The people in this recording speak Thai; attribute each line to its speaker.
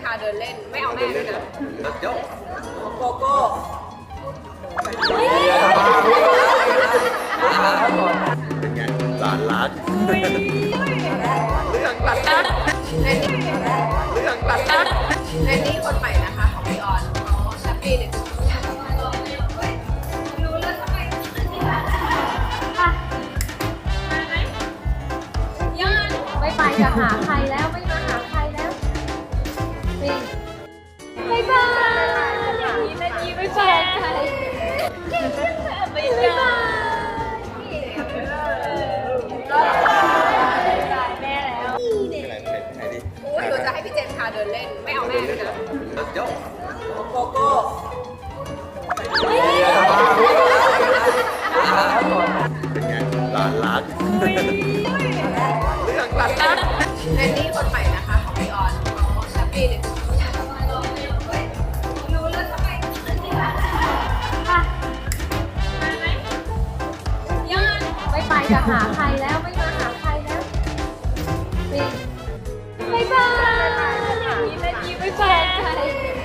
Speaker 1: าเดินเล่นไม่เอาแม่ด้วยนะ
Speaker 2: ตัดโจ๊ก
Speaker 1: โกโก้
Speaker 2: เป็นไงหลานรักเรื่องหลัก
Speaker 1: แอนนี่
Speaker 2: เรื่องหลัก
Speaker 1: แอนนี่คนใหม่นะคะของพี่ออนเขาแฮปปี้เลยรู้แล้วทำไม
Speaker 3: ไม่ไปจะหาใครแล้วไม่มาหาใครแล้วนี่บายบายนี่นาทีไม่ไปใครบายบายแม่แล้ว
Speaker 2: ไหนดิ
Speaker 1: อุ้ยหนูจะให้พี่เจนพาเดินเล่นไม่เอาแม่ด้วยนะ
Speaker 2: ตัดโจ๊ก
Speaker 1: โกโก้
Speaker 2: เป็นไงหลานรักเรื่องหลัก
Speaker 1: แอนนี่คนใหม่นะคะของพี่ออนเขาแฮปปี้เลยรู้แล้วทำไม
Speaker 3: ไม่ไปจะหาใครแล้วไม่มาหาใครแล้วนี่บายบายนี่นาทีไม่ไปใคร